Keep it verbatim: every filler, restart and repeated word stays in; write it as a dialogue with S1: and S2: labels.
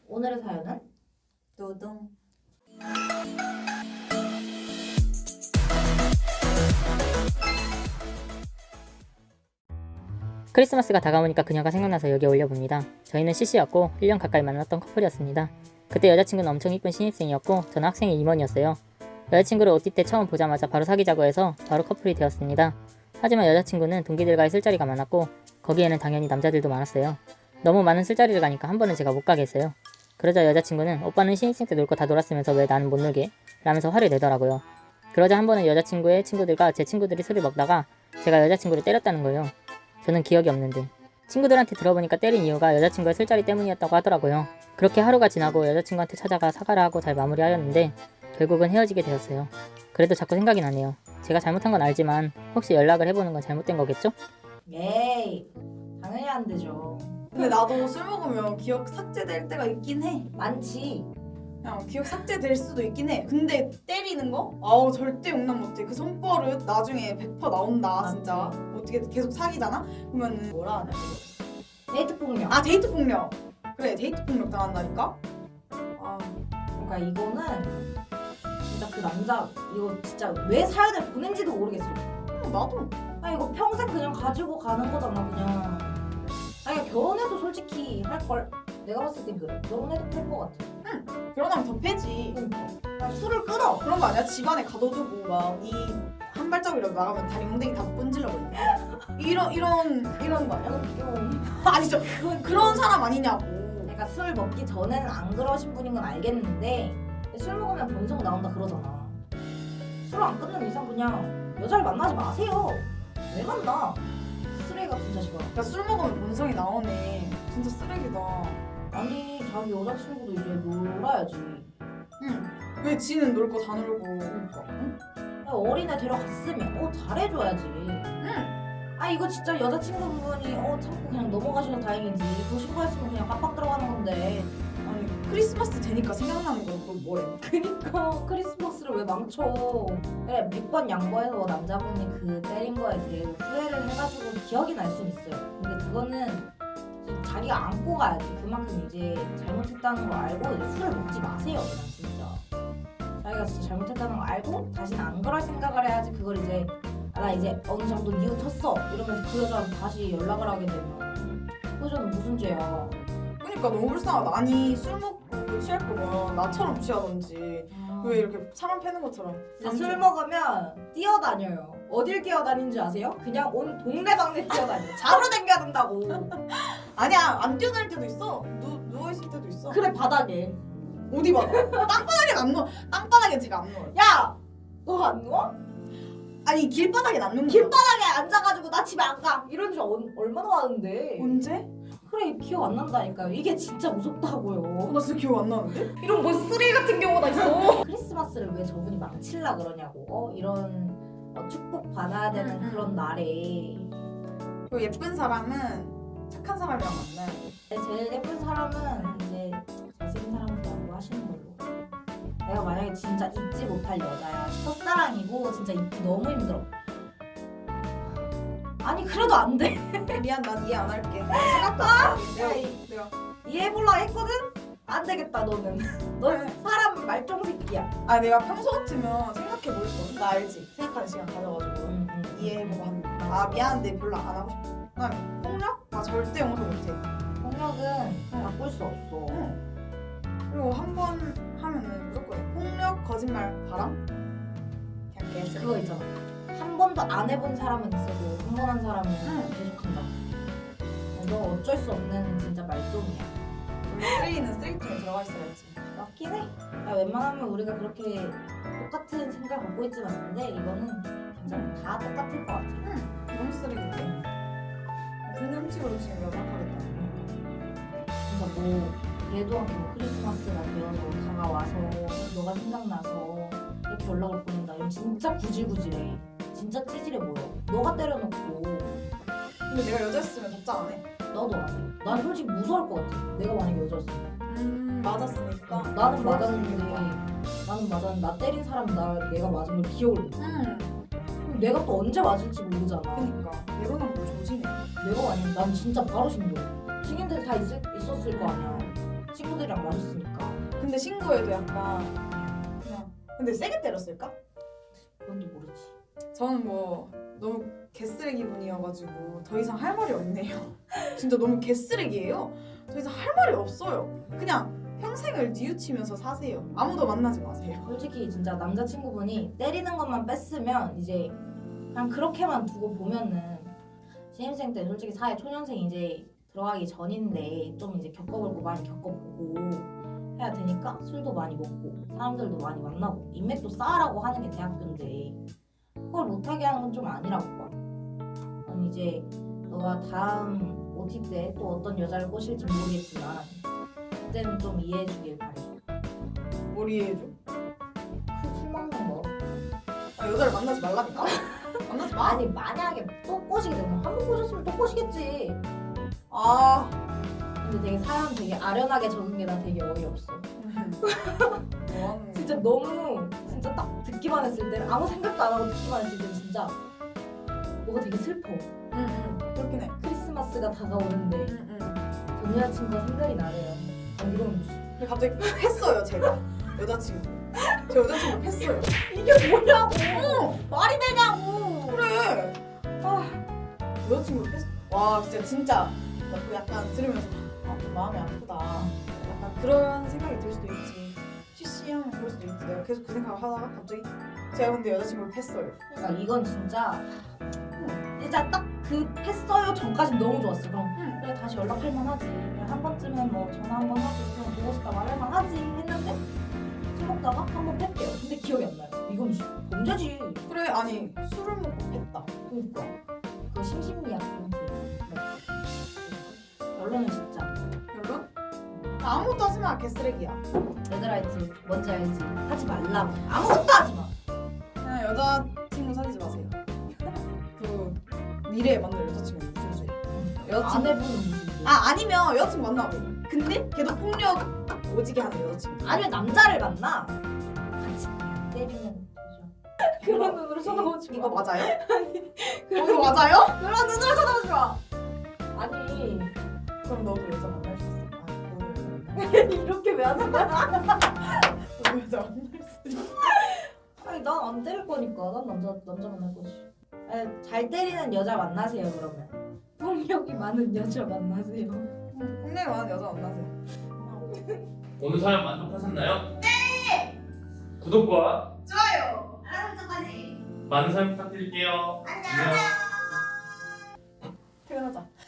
S1: 오늘의 사연은
S2: 노동.
S3: 크리스마스가 다가오니까 그녀가 생각나서 여기에 올려봅니다. 저희는 씨씨였고 일 년 가까이 만났던 커플이었습니다. 그때 여자친구는 엄청 이쁜 신입생이었고 저는 학생의 임원이었어요. 여자친구를 오티 때 처음 보자마자 바로 사귀자고 해서 바로 커플이 되었습니다. 하지만 여자친구는 동기들과의 술자리가 많았고 거기에는 당연히 남자들도 많았어요. 너무 많은 술자리를 가니까 한 번은 제가 못 가게 했어요. 그러자 여자친구는 오빠는 신입생 때 놀 거 다 놀았으면서 왜 나는 못 놀게? 라면서 화를 내더라고요. 그러자 한 번은 여자친구의 친구들과 제 친구들이 술을 먹다가 제가 여자친구를 때렸다는 거예요. 저는 기억이 없는데 친구들한테 들어보니까 때린 이유가 여자친구의 술자리 때문이었다고 하더라고요. 그렇게 하루가 지나고 여자친구한테 찾아가 사과를 하고 잘 마무리하였는데 결국은 헤어지게 되었어요. 그래도 자꾸 생각이 나네요. 제가 잘못한 건 알지만 혹시 연락을 해보는 건 잘못된 거겠죠?
S1: 에이 당연히 안 되죠.
S2: 근데 나도 술 먹으면 기억 삭제될 때가 있긴 해.
S1: 많지.
S2: 그냥 기억 삭제될 수도 있긴 해. 근데 때리는 거? 아우 절대 용납 못해. 그 손버릇 나중에 백 퍼센트 나온다
S1: 맞지.
S2: 진짜. 어떻게 계속 사귀잖아? 그러면은
S1: 뭐라 하냐 이거. 데이트 폭력.
S2: 아 데이트 폭력. 그래 데이트 폭력 당한다니까? 아
S1: 그러니까 이거는 진짜 그 남자 이거 진짜 왜 사연을 보낸지도 모르겠어.
S2: 어, 나도.
S1: 아 이거 평생 그냥 가지고 가는 거잖아 그냥. 아니 결혼해도 솔직히 할 걸. 내가 봤을 땐 그래. 결혼해도 할 것 같아.
S2: 결혼하면 더 패지.
S1: 그러니까 아, 술을 끊어.
S2: 그런 거 아니야? 집안에 가둬두고 막 이 한 발짝이라도 나가면 다리 몽댕이 다 분질러 버린다. 이런 이런 이런 거 아니야? 아니 저
S1: 그건
S2: 그런 사람 아니냐고.
S1: 그러니까 술 먹기 전에는 안 그러신 분인 건 알겠는데 술 먹으면 본성 나온다 그러잖아. 술 안 끊는 이상 그냥 여자를 만나지 마세요. 왜 만나? 쓰레기 같은 자식아.
S2: 그러니까 술 먹으면 본성이 나오네. 진짜 쓰레기다.
S1: 아니 자기 여자친구도 이제 놀아야지.
S2: 응. 왜 지는 놀 거 다 놀고.
S1: 그러니까.
S2: 응?
S1: 야, 어린애 데려갔으면 어 잘해줘야지.
S2: 응.
S1: 아 이거 진짜 여자친구분이 어 참고 그냥 넘어가셔서 다행이지. 그거 신고했으면 그냥 깜빡 들어가는 건데.
S2: 아니 크리스마스 되니까 생각나는 거 그거 뭐래?
S1: 그니까 크리스마스를 왜 망쳐. 그래 몇 번 양보해서 남자분이 그 때린 거에 대해 후회를 해가지고 기억이 날 순 있어요. 근데 그거는 좀 자기가 안고 가야지. 그만큼 이제 잘못했다는 걸 알고 이제 술을 먹지 마세요 그냥 진짜. 자기가 진짜 잘못했다는 걸 알고 다시는 안 그럴 생각을 해야지. 그걸 이제 아, 나 이제 어느 정도 뉘우쳤어 이러면서 그 여자랑 다시 연락을 하게 되면 그 여자는 무슨 죄야.
S2: 그러니까 너무 불쌍하다. 아니 술 먹고 취할 거면 나처럼 취하던지 왜 이렇게 사람 패는 것처럼.
S1: 근데 술 먹으면 뛰어다녀요. 어딜 뛰어다니는지 아세요? 그냥 온 동네방네 뛰어다녀. 자로 댕겨야 된다고.
S2: 아니야 안 뛰어다닐 때도 있어. 누 누워 있을 때도 있어.
S1: 그래 바닥에.
S2: 어디 봐. 땅바닥엔 안 누워. 땅바닥엔 제가 안 누워요.
S1: 야! 너 안 누워?
S2: 아니 길바닥엔 안 누워.
S1: 길바닥에 앉아가지고 나 집에 안 가. 이런 줄 얼- 얼마나 많은데.
S2: 언제?
S1: 그래 기억 안 난다니까요. 이게 진짜
S2: 어,
S1: 무섭다고요.
S2: 나 진짜 기억 안 나는데?
S1: 이런 뭐 쓰레기 같은 경우가 있어. 크리스마스를 왜 저분이 망칠라 그러냐고. 어? 이런 어, 축복 받아야 되는
S2: 음, 음.
S1: 그런 날에
S2: 그 예쁜 사람은 착한 사람이랑 만나요.
S1: 제일 예쁜 사람은 이제 잘생긴 사람이라고 하시는 걸로. 내가 만약에 진짜 잊지 못할 여자야. 첫사랑이고 진짜 잊기 너무 힘들어. 아니 그래도 안 돼.
S2: 미안 난 이해 안 할게. 생각도 안 해. 내가
S1: 아이.
S2: 내가
S1: 이해해볼라 했거든? 안 되겠다 너는. 너 사람 말종 새끼야.
S2: 아 내가 평소 같으면 생각해 볼 거야. 나 알지. 생각하는 시간 가져가지고
S1: 응, 응.
S2: 이해해보고 하는. 거. 아 미안한데 별로 안 하고 싶어. 난 폭력? 아 절대 용서 못해.
S1: 폭력은 바꿀 수 없어.
S2: 응. 그리고 한 번 하면은 무조건 해. 폭력, 거짓말, 바람. 그냥 개쓰레기.
S1: 그거 있잖아. 한 번도 안 해본 사람은 있어도 한 번 한 사람은
S2: 응.
S1: 계속한다. 너 어쩔 수 없는 진짜 말종이야.
S2: 원래 쓰레기는 쓰레기통에 들어가 있어야지.
S1: 맞긴 해. 야, 웬만하면 우리가 그렇게 똑같은 생각 갖고 있진 않는데 이거는 괜찮아. 다 똑같을 것 같아.
S2: 응. 너무 쓰레기인데. 불량식으로 지금 연락하겠다.
S1: 그러니까 뭐 얘도 뭐 크리스마스가 되어서 다가와서 너가 생각나서 이렇게 연락을 보낸다. 이건 진짜 구질구질해. 진짜 찌질해 보여. 너가 때려놓고
S2: 근데 내가 여자였으면 답장 안 해.
S1: 나도 안 해. 난 솔직히 무서울 것 같아. 내가 만약에 여자였으면.
S2: 음 맞았으니까.
S1: 나는
S2: 그럴 수
S1: 맞았는데
S2: 있겠다.
S1: 나는 맞았는데 나 때린 사람 나 내가 맞은 걸 기억을 못 해.
S2: 응.
S1: 그럼 내가 또 언제 맞을지 모르잖아.
S2: 그니까 내로남불 조심해.
S1: 내가 아니면 난 진짜 바로 신고. 증인들 다 있을, 있었을 거 아니야. 친구들이랑 마셨을
S2: 근데 신고해도 약간 그냥 근데 세게 때렸을까?
S1: 그건 또 모르지.
S2: 저는 뭐 너무 개쓰레기 분이어가지고 더 이상 할 말이 없네요. 진짜 너무 개쓰레기예요. 더 이상 할 말이 없어요. 그냥 평생을 뉘우치면서 사세요. 아무도 만나지 마세요.
S1: 솔직히 진짜 남자친구분이 때리는 것만 뺐으면 이제 그냥 그렇게만 두고 보면은 신입생 때 솔직히 사회 초년생 이제 들어가기 전인데 좀 이제 겪어볼 거 많이 겪어보고 해야 되니까 술도 많이 먹고 사람들도 많이 만나고 인맥도 쌓으라고 하는 게 대학교인데 그걸 못하게 하는 건 좀 아니라고 봐. 아니 이제 너가 다음 오티 때 또 어떤 여자를 꼬실지 모르겠지만 그때는 좀 이해해주길 바래.
S2: 뭘 이해해줘?
S1: 그 술 먹는 거.
S2: 아, 여자를 만나지 말라니까? 만나지 마.
S1: 아니 만약에 또 꼬시게 되면 한 번 꼬셨으면 또 꼬시겠지.
S2: 아.
S1: 근데 되게 사람 되게 아련하게 적은 게 난 되게 어이없어.
S2: 뭐하는
S1: 진짜 너무 진짜 딱 듣기만 했을 때는 아무 생각도 안 하고 듣기만 했을 때는 진짜 뭐가 되게 슬퍼.
S2: 응응 그렇긴 해.
S1: 크리스마스가 다가오는데
S2: 응응.
S1: 전 여자친구가 생각이 나래요. 아 이런
S2: 근데 갑자기 했어요 제가 여자친구. 제 여자친구 했어요.
S1: 이게 뭐냐고.
S2: 어
S1: 말이 되냐고.
S2: 그래. 아 여자친구 했어. 와 진짜 진짜 나 그거 약간 들으면서 아, 좀 마음이 아프다. 약간 그런 생각이 들 수도 있지. 취시하면 그럴 수도 있지. 내가 계속 그 생각을 하다가 갑자기 제가 근데 여자친구를 했어요.
S1: 그러니까 이건 진짜 진짜 딱 그 했어요 전까지 너무 좋았어. 그럼
S2: 응.
S1: 그래 다시 연락할 만하지. 그래, 한 번쯤은 뭐 전화 한 번 하지. 그냥 보고 싶다 말할 만하지 했는데 술 먹다가 한 번 뺐대요. 근데 기억이 안 나요. 이건 범죄지.
S2: 그래 아니 술을 먹고 했다.
S1: 그러니까 그 심신미약 그런 게 결론은 진짜
S2: 결론? 아무것도 하지 마 개쓰레기야.
S1: 얘들아 있지 뭔지 알지 하지 말라고 아무것도 하지 마.
S2: 그냥 여자친구 사귀지 마세요. 그 미래에 만날 여자친구 무슨 죄? 여자친구
S1: 아내분은 무슨
S2: 아 아니면 여자친구 만나고 근데 걔도 폭력 오지게 하는 여자친구.
S1: 아니면 남자를 만나 같이 때리면 되죠. 그런 눈으로 쳐다보지 마.
S2: 이거 맞아요? 어, 이거 맞아요?
S1: 그런 눈으로 쳐다보지 마. 아니
S2: 그럼 너도 여자 만날 수 있어. 아, 너도 여자 만날
S1: 이렇게 왜 하는 거야?
S2: 너도 여자 만날 수 있어.
S1: 아니 난 안 때릴 거니까 난 남자 남자 만날 거지. 아니, 잘 때리는 여자 만나세요 그러면. 폭력이 많은 여자 만나세요.
S2: 폭력이 많은 여자 만나세요.
S4: 오늘 사연 만족하셨나요? 네! 구독과
S2: 좋아요.
S1: 알람 설정까지.
S4: 많은 사연 부탁드릴게요.
S1: 안녕.
S2: 퇴근하자.